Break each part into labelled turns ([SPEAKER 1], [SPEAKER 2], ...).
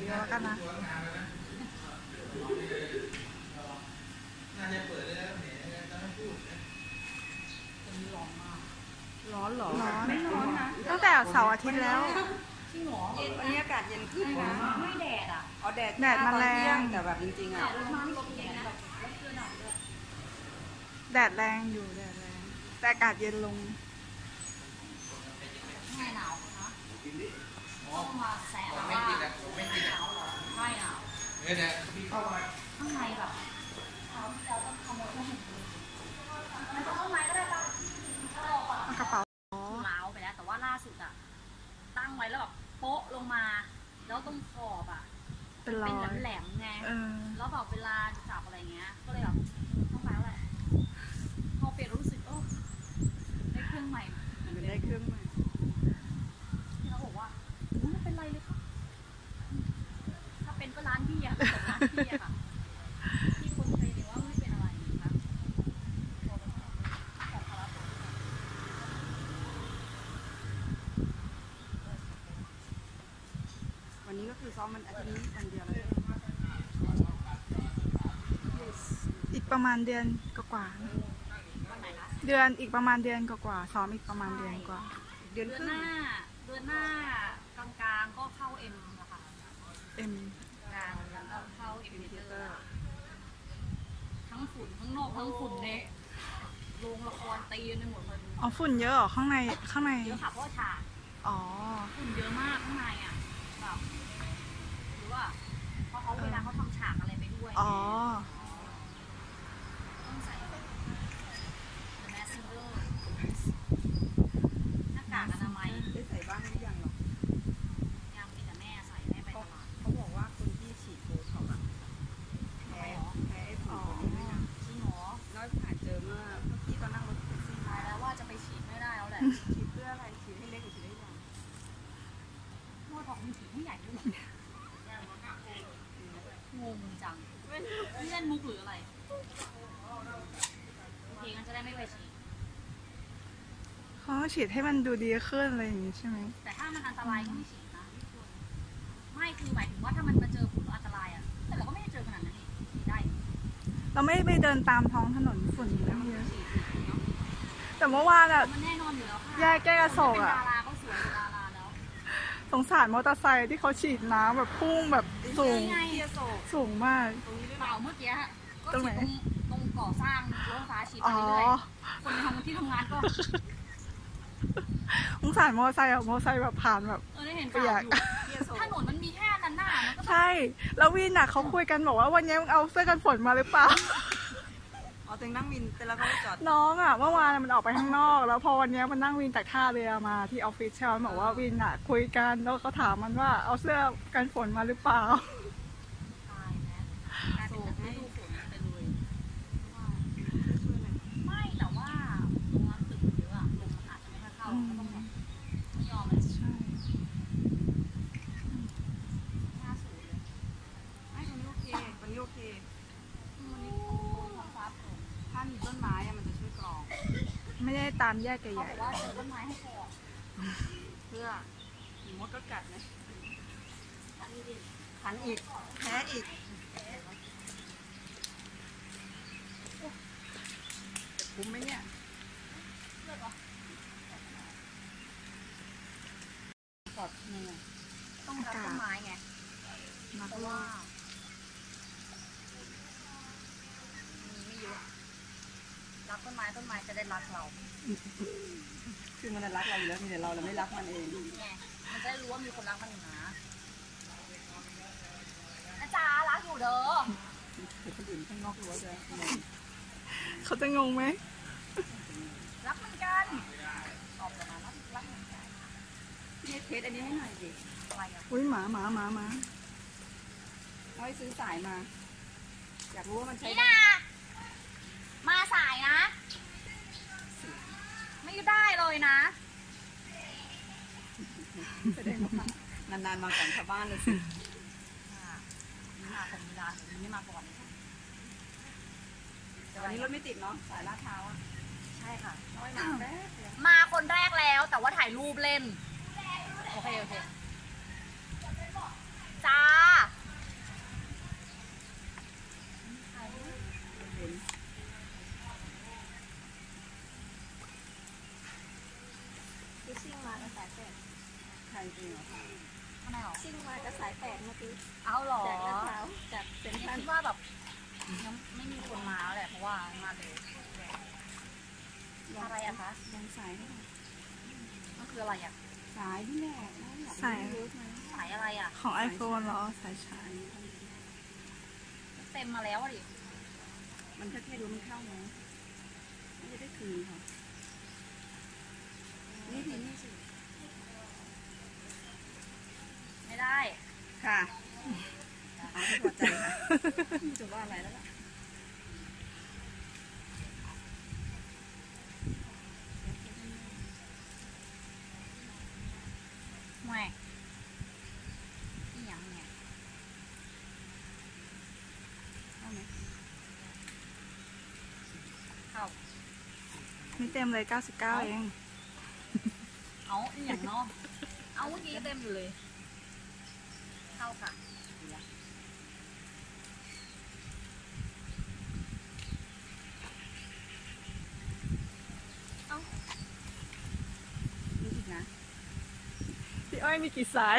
[SPEAKER 1] เยอะแล้วกันนะ
[SPEAKER 2] ร้อนเหรอ
[SPEAKER 1] ร้อน
[SPEAKER 2] ไม่ร้อนนะ
[SPEAKER 1] ตั้งแต่เสาร์อาทิตย์แล้ว
[SPEAKER 2] จริงเหรอวันนี้อากาศเย็นขึ้นนะไม่แดดอ่ะอ๋อแดด
[SPEAKER 1] มาแรง
[SPEAKER 2] แต่แบบจริงๆอ่ะ
[SPEAKER 1] แดดแรงอยู่แดดแรงแต่อากาศเย็นลง
[SPEAKER 3] ไม่หนาวนะต้องมาแสะว่าหนาวเหรอไม่หนาวข้างในแบบเราต้องขโมยผ้าห่มมันจะเข้าในก็ได้ปะ
[SPEAKER 1] กระเป๋า
[SPEAKER 3] ล้าวไปแล้วแต่ว่าล่าสุดอะตั้งไว้แล้วแบบโป๊ะลงมาแล้วตรงขอบอะ
[SPEAKER 1] เป็นรอ
[SPEAKER 3] เป็น
[SPEAKER 1] ย
[SPEAKER 3] แหลมๆไง
[SPEAKER 1] แ
[SPEAKER 3] แล้วแบบเวลาจับอะไรเงี้ยก็เลยแบบต้องไปแล้วแหละพอเปลี่ยนรู้สึกได้เครื่องใหม่
[SPEAKER 2] มันได้เครื่องใหม่
[SPEAKER 3] ที่เขาบอกว่าไม่เป็นไรเลยครับถ้าเป็นก็ร้านพี่อะร้านพี่อะค่ะที่คนเคยเห็นว่าไม่เป็นอะไรนะคะของเขา
[SPEAKER 2] วันนี้ก็คือซ้อมมันอาทิตย์นี้วันเดียวเลย
[SPEAKER 1] อีกประมาณเดือนกว่า
[SPEAKER 3] วันไหนคะ
[SPEAKER 1] ๆเดือนอีกประมาณเดือนกว่าๆซ้อมอีกประมาณเดือนกว่า
[SPEAKER 2] เดือน
[SPEAKER 3] เดื
[SPEAKER 2] ค
[SPEAKER 3] อน
[SPEAKER 2] รึ่
[SPEAKER 3] ห
[SPEAKER 2] ง
[SPEAKER 3] น้ากลางๆก็เข้าเอ็มนะคะ
[SPEAKER 1] เอ็ม
[SPEAKER 3] กลางแล้วก็เข้าเอ็มเตอร์ทั้งฝุ่นทั้งนอกทั้งฝุ่นในโรงละครตีกันไปหมดเลย
[SPEAKER 1] อ๋อฝุ่นเยอะเหรอข้างในข้างใน
[SPEAKER 3] เยอะค่ะเพราะว่าฉาก
[SPEAKER 1] อ๋อ
[SPEAKER 3] ฝุ่นเยอะมากข้างในอ่ะแบบหรือว่าเพราะเขาเวลาเขาทำฉากอะไรไปด้วย
[SPEAKER 1] อ๋อ
[SPEAKER 3] ต้องใส่ The Mask Singer หน้ากากอนามัย
[SPEAKER 2] ได้ใส่บ้างหรือยังหรอ
[SPEAKER 3] ยังมีแต่แม่ใส่แม่ไปตลาด
[SPEAKER 2] เขาบอกว่าคนที่ฉีดโบท็อกซ์อะแพ้ไอ้ฝุ่นตัวนี้ด้วยนะ
[SPEAKER 3] จริงเหรอ
[SPEAKER 2] แล้วผ่านเจอเมื่อกี้ตอนนั่งรถแท็กซี่
[SPEAKER 3] ตายแล้วว่าจะไปฉีดไม่ได้แล้วแหละ
[SPEAKER 2] ฉีดเพื่ออะไรฉีดให้เล็กหรือฉีดให้ใหญ่
[SPEAKER 3] โม่บอกมันฉีดไม่ใหญ่ด้วยงงจังนี่เล่นมุกหรืออะไรโอเคงั้นจะได้ไม่ไปฉีด
[SPEAKER 1] เขาฉีดให้มันดูดีขึ้นอะไรอย่างงี้ใช่ไหม
[SPEAKER 3] แต่ถ้ามันอันตรายก็ไม่ฉีดนะไม่คือหมายถึงว่าถ้ามันมาเจอฝุ่นแล้วอันตรายอ่ะแต่เราก็ไม่ได้เจอขนาดนั้นนี่ฉีดได้
[SPEAKER 1] เราไม่ได้ไปเดินตามท้องถนนฝุ่นไม่เยอะ
[SPEAKER 3] ฉีดเนาะ
[SPEAKER 1] แต่เมื่อวานอะ
[SPEAKER 3] มันแน่นอนอยู่แล้วค่ะ
[SPEAKER 1] แยกแก้กระโศก
[SPEAKER 3] เป็น
[SPEAKER 1] อะ
[SPEAKER 3] ดาราก็สวยเป็นดาราแล้ว
[SPEAKER 1] สงสารมอเตอร์ไซค์ที่เขาฉีดน้ำแบบพุ่งแบบสูง
[SPEAKER 3] ไง
[SPEAKER 2] เทียโศก
[SPEAKER 1] สูงมาก
[SPEAKER 2] ตรงนี้ด้วย
[SPEAKER 3] เปล่าเมื่อกี้ก็
[SPEAKER 1] ตรงไหน
[SPEAKER 3] ฉีดตรงก่อสร้างรถไฟฟ้าฉีดไป
[SPEAKER 1] อ๋อ
[SPEAKER 3] เรื่อยๆคนในที่ทำงานก็
[SPEAKER 1] สงสารมอเตอร์ไซค์อะมอเตอร์ไซค์แบบผ่านแบบ
[SPEAKER 3] ได้เห็น
[SPEAKER 1] เปีย
[SPEAKER 3] ข่าก วอยู่
[SPEAKER 2] เทียโศก
[SPEAKER 3] ถนนมันมีแค่นั้นน่ะมันก็
[SPEAKER 1] ใช่ แล้ววินอะเขาคุยกันบอกว่าวันนี้มึงเอาเสื้อกันฝนมาหรือเปล่า
[SPEAKER 2] อ๋อตัวนั่งวินแต่แล้วเขาจอด
[SPEAKER 1] น้องอะเมื่อวานมันออกไปข้างนอก แล้วพอวันนี้มันนั่งวินจากท่าเรือมาที่ออฟฟิศใช่ไหมบอกว่าวินอะคุยกันแล้วเขาถามมันว่าเอาเสื้อกันฝนมาหรือเปล่า
[SPEAKER 3] ตายแล้วกลายเป็นฤดูฝนไปเลยไม่แต่ว่าตรงนั้นตึกเยอะอะลมมันอาจจะไม่ค่อยเข้าก็ต้องแบบไม่ยอมเลย
[SPEAKER 1] ใช่
[SPEAKER 3] หน้าสูงเลย
[SPEAKER 2] ไม่ตรงนี้โอเคตรงนี้โอเค
[SPEAKER 3] วันนี้ท้องฟ้าโปร่ง
[SPEAKER 2] ถ้ามีต้นไม้อะมันจะช่วยกรอง
[SPEAKER 1] ไม่ได้ตามแยกให
[SPEAKER 3] เขา
[SPEAKER 1] ญ่
[SPEAKER 3] บอกว่าเจอต้นไม้ให้ก่อน
[SPEAKER 2] เพื่อหนูมดก็กัดนะ
[SPEAKER 3] อันนี้ดิ
[SPEAKER 2] ขันอีกแพ้อีกจะคุ้มไหมเนี่ย
[SPEAKER 3] เลือกเหรอก
[SPEAKER 2] อดมือ
[SPEAKER 3] ต้องรับต้นไม้ไง
[SPEAKER 1] ๆนัก
[SPEAKER 3] เพราะ
[SPEAKER 1] โล
[SPEAKER 3] ว่าก มีไม่เยอะรักต้นไม้จะได้รักเรา
[SPEAKER 2] คือมันรักเราอยู่แล้วมีแต่เราไม่รักมันเอง
[SPEAKER 3] ไงมันจะได้รู้ว่ามีคนรักมันอยู่นะนะจ๊ะรักอยู่เด้อ
[SPEAKER 2] เดี๋ยวคนอื่นข้างนอกรู้ว่าจะงง
[SPEAKER 1] เขาจะงงไหม
[SPEAKER 3] รักเหมือนกันตอบกลับมารักเหมือนกัน
[SPEAKER 2] พี่เทสอันนี้ให้หน่อยดิ
[SPEAKER 3] อะไรอ่ะ
[SPEAKER 1] อุ้ยหมา
[SPEAKER 2] เอาไว้ซื้อสายมา อยากรู้ว่ามันใช้
[SPEAKER 3] นี่นะมาสายนะ ไม่ได้เลยนะ
[SPEAKER 2] แสดงว่านานๆมาก่อนชาวบ้านเลยสิ
[SPEAKER 3] นี่มาของมีร้านนี้มาก่อนเลย
[SPEAKER 2] แต่วันนี้รถไม่ติดเนาะสายลาดพร้าวอะ
[SPEAKER 3] ใช่ค่ะ
[SPEAKER 2] น้อยมาแป๊บเดียว
[SPEAKER 3] มาคนแรกแล้วแต่ว่าถ่ายรูปเล่น โอเค จ้า
[SPEAKER 2] จริงเหรอ
[SPEAKER 3] ข้างในหรอ
[SPEAKER 1] ชิ่งมากับสายแปดเมื่อกี้
[SPEAKER 3] เอาหรอ
[SPEAKER 1] จากลาดพร้าวจากเซ็นทรัล
[SPEAKER 3] คิดว่าแบบยังไม่มีคนมาแล้วแหละเพราะว่ามาเร็วอะไรอะคะ
[SPEAKER 2] ลองสายให้หน่อย
[SPEAKER 3] มันคืออะไรอะ
[SPEAKER 2] สายนี่แหละอยากรู้เยอะไหม
[SPEAKER 3] สายอะไรอะ
[SPEAKER 1] ของ iPhone เหรอสายชาร์จ
[SPEAKER 3] เต็มมาแล้วอะดิ
[SPEAKER 2] มันแค่ดูมันเข้าไหมไม่ได้คืนค่ะนี่ทีนี่สิ
[SPEAKER 3] ไม่ได้
[SPEAKER 2] ค่ะเอาให้พอใจค่ะไม่จะว่าอะไรแล้วล่ะ
[SPEAKER 3] แหม่นี่ยังไง
[SPEAKER 2] เข้าไหม
[SPEAKER 3] เข้า
[SPEAKER 1] นี่เต็มเลย 99 เอง
[SPEAKER 3] เอานี่อย่างเนาะเอาเมื่อกี้เต็มอยู่เลย เข้าค่ะ
[SPEAKER 2] นี่อีกนะ
[SPEAKER 1] พี่อ้อยมีกี่สาย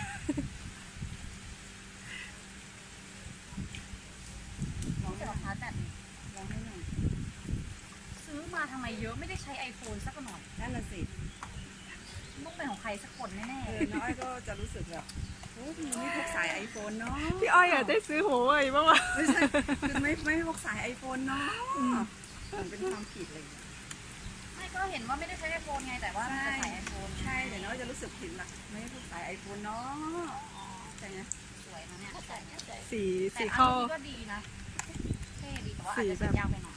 [SPEAKER 2] ลองให้
[SPEAKER 3] เดี๋
[SPEAKER 2] ห
[SPEAKER 3] ยว
[SPEAKER 2] น่อย
[SPEAKER 3] ชาร์จแบต
[SPEAKER 2] ลองให้หน่อย
[SPEAKER 3] ซื้อมาทำไมเยอะไม่ได้ใช้ iPhone สักหน่อย
[SPEAKER 2] นั่นน่ะสิ
[SPEAKER 3] ต้องเป็นของใครสักคนแน่
[SPEAKER 2] น้อยก็จะรู้สึกแบบโอ้พี่ไม่พกสายไอโฟนเนาะ
[SPEAKER 1] พี่อ้อยอยากได้ซื้อหัวเว่ยบ้างวะ
[SPEAKER 2] ไม่ใช่คือไม่พกสายไอโฟนเนาะมันเป็นความผิดเลย
[SPEAKER 3] ๆไม่ก็เห็นว่าไม่ได้ใช้ iPhone ไงแต่ว่าจะใช้ iPhone
[SPEAKER 2] ใช่เดี๋ยวน้อยจะรู้สึกผิดละไม่พกสายไอโฟนเนาะใช่ไหม
[SPEAKER 3] สวยนะเนี่ยแต่
[SPEAKER 1] สี
[SPEAKER 3] อัน
[SPEAKER 1] เข้า
[SPEAKER 3] นี้ก็ดีนะเท่ดีแต่ว่าอาจจะ
[SPEAKER 1] สีแบบ
[SPEAKER 3] ยาวไปหน่อย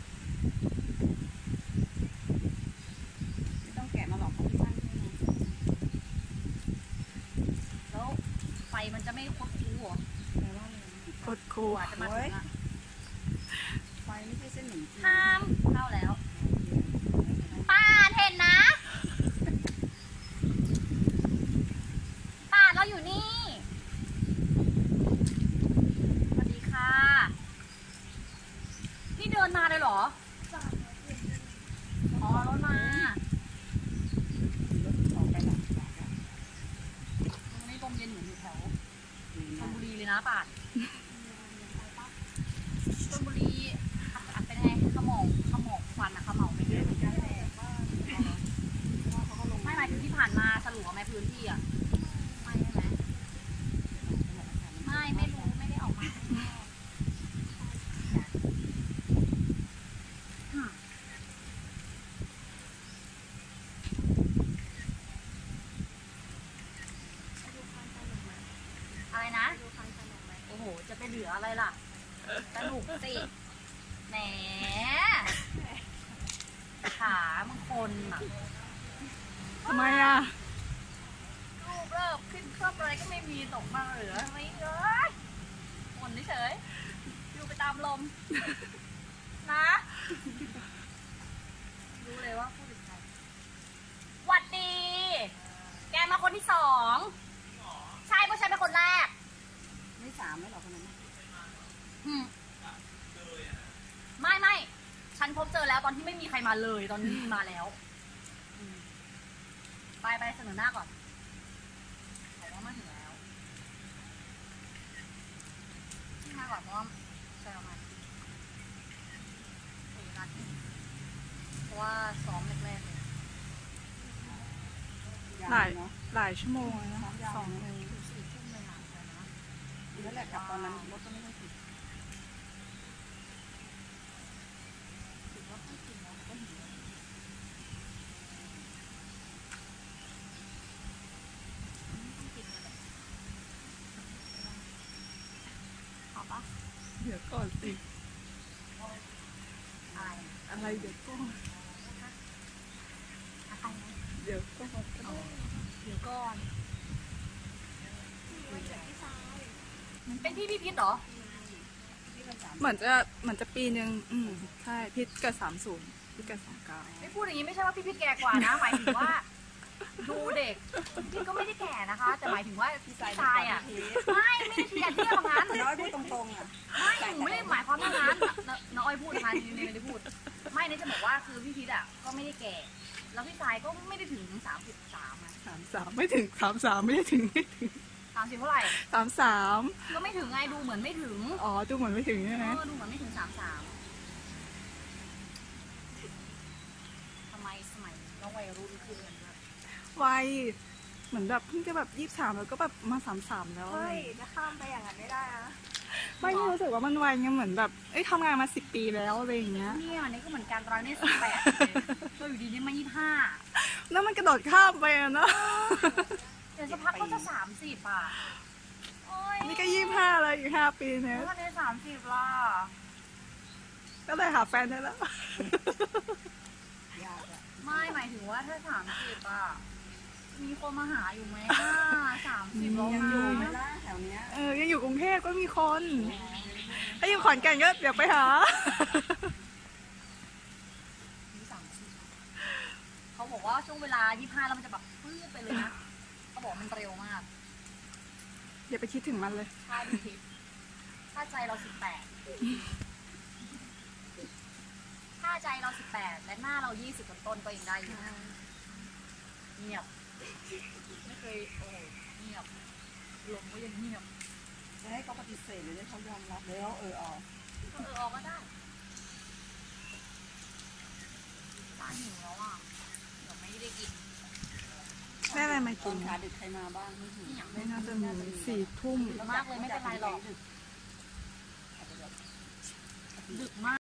[SPEAKER 2] ไม่ต้องแกะมาหรอกเพราะมันสั้นแค่นั้น
[SPEAKER 3] แล้วไฟมันจะไม่คดคู้เหรอ
[SPEAKER 2] แปลว่าอะไรนะ
[SPEAKER 1] กด
[SPEAKER 3] ก
[SPEAKER 1] คู
[SPEAKER 3] ว่าจะมาถึงอะ
[SPEAKER 2] ไฟไม่ใช่เส้นหนึ่งจีน
[SPEAKER 3] ห้ามเข้าแล้วป้าเห็นนะป้าเราอยู่นี่สวัสดีค่ะนี่เดินมาเลยเหรออ๋อรถมา
[SPEAKER 2] รถออกไปหลัง
[SPEAKER 3] ตรงนี้ลมเย็นเหมือนอยู่แถวชลบุรีเลยนะป่านชลบุรีเป็นไงขมองควันอะขมเหลาไปเยอะเหมือนกันเลยไม่หมายถึงที่ผ่านมาสลัวไหมพื้นที่อะไม่ใช่ไหมไม่รู้ไม่ได้ออกมาข้างนอกอืมอะไรนะ โอ้โห จะไปเหลืออะไรล่ะ สนุกสิ แหม ขามันคนอ่ะ
[SPEAKER 1] ทำไมอ่ะ
[SPEAKER 3] รูปเริ่มขึ้นเครื่องอะไรก็ไม่มีตกมาเหลือไม่เยอะคนเฉยๆอยู่ไปตามลม นะ รู้เลยว่าพูดถึงใครหวัดดี แกมาคนที่สอง ใช่เพราะฉันเป็นคนแรก
[SPEAKER 2] ไม่สามไม่หรอกคนนั้น
[SPEAKER 3] อืมไม่ ฉันพบเจอแล้วตอนที่ไม่มีใครมาเลย ตอนนี้มีมาแล้วอืมไปเสนอหน้าก่อนบอกว่ามาถึงแล้วที่มาก่อนเพราะว่าใช่ประมาณ4 นาทีเพราะว่าซ้อมแรกๆเลย
[SPEAKER 1] หลายหลายชั่วโมงเลยนะ2 ชั่วโมง
[SPEAKER 3] ถึง4 ทุ่มเลยนะเลยนะ
[SPEAKER 2] นั่นแหละกลับตอนนั้นรถก็ไม่ค่อยติด
[SPEAKER 3] ถือว่าไม่จริงแล้วก็หิวไม่จริงเลยแหละเอาปะ
[SPEAKER 1] เดี๋ยวก่อนสิ
[SPEAKER 3] อะไร
[SPEAKER 1] อะไรเดี๋ยวก่อน
[SPEAKER 3] อะไรนะ
[SPEAKER 1] เดี๋ยวก่อน
[SPEAKER 3] เดี๋ยวก่อน เป็นพี่พิษเหรอ
[SPEAKER 1] เหมือนจะปีนึงใช่พิษเกิด30พิษเกิด29
[SPEAKER 3] ไม่พูดอย่างนี้ไม่ใช่ว่าพี่พิษแก่กว่านะ หมายถึงว่า ดูเด็กพี่ก็ไม่ได้แก่นะคะ แต่หมายถึงว่าพี่ชายอ่ะ ไม่ได้เทียบอย่างนั้น
[SPEAKER 2] น้อยพูดตรงๆอ่ะ
[SPEAKER 3] ไม่หนูไม่ได้หมายความว่างั้นน้องอ้อยพูดนะคะนี่ไม่ได้พูด ไม่เนี่ยจะบอกว่าคือพี่พิษอ่ะก็ไม่ได้แก่ แล้วพี่ชายก็ไม่ได้ถึง33อ่ะ
[SPEAKER 1] 33ไม่ถึง33ไม่ได้ถึงไม่ถึง
[SPEAKER 3] 30เท่าไหร่
[SPEAKER 1] 33
[SPEAKER 3] ก็ไม่ถึงไงดูเหมือนไม่ถึง
[SPEAKER 1] อ๋อดูเหมือนไม่ถึงใช่ไหม
[SPEAKER 3] ดูเหมือนไม่ถึง33ทำไมสมัยเราวัยรุ่นขึ้นกันด้วย
[SPEAKER 1] วัยเหมือนแบบเพิ่งจะแบบ23แล้วก็แบบมา33แล้ว
[SPEAKER 2] เฮ้ยจะข้ามไปอย่างนั้นไม่ได้นะ
[SPEAKER 1] ไม่รู้สึกว่ามันวัยไงเหมือนแบบเอ้ยทำงานมา10 ปีแล้วอะไรอย่างเงี้ย
[SPEAKER 3] เนี่ยนี่ก็เหมือนกันเราเนี่ย18เราอยู่ดีนี่มา25
[SPEAKER 1] แล้วมันกระโดดข้ามไปอะเนาะ
[SPEAKER 3] เดี๋ยวสักพักก็จะ30อ่ะโอ้ย
[SPEAKER 1] นี่ก็25แล้วอีก5 ปีเนี่ย
[SPEAKER 3] แล้ววันนี้30ล่ะ
[SPEAKER 1] ก็เลยหาแฟนได้แล้ว
[SPEAKER 2] ยากอะ
[SPEAKER 3] ไม่หมายถึงว่าถ้า30อ่ะมีคนมาหาอยู่ไหม30แล้ว
[SPEAKER 1] ยัง
[SPEAKER 3] นะ
[SPEAKER 1] อยู่
[SPEAKER 2] ไหมล่ะแถวเนี้ย
[SPEAKER 1] ยังอยู่กรุงเทพก็มีคน ถ้าอยู่ขอนแก่นก็เดี๋ยวไปหา
[SPEAKER 3] มี30เขาบอกว่าช่วงเวลา25แล้วมันจะแบบปื้ดไปเลยนะเขาบอกมันเร็วมาก
[SPEAKER 1] อย่าไปคิดถึงมันเลย
[SPEAKER 3] ถ้าดูคลิปถ้าใจเรา18ถ้าใจเรา18และหน้าเรา20ต้นๆก็ยังได้อยู่เงียบไม่เคยโอ้เงียบลมก็ยังเงียบ
[SPEAKER 2] จะให้เขาปฏิเสธหรือให้เขายอมรับแล้วออก
[SPEAKER 3] ออกก็ได้ตาหิวแล้วอ่ะเดี๋ยวไม่ได้กิน
[SPEAKER 1] ได้อะไรมา
[SPEAKER 2] ต
[SPEAKER 1] กิ
[SPEAKER 2] อน
[SPEAKER 1] น
[SPEAKER 2] ขาดึกใครมาบ้างไม่ถึง
[SPEAKER 1] ไม่น่าจะมี4 ทุ่ม
[SPEAKER 3] มากเลยไม่เป็นไรหรอกดึกมาก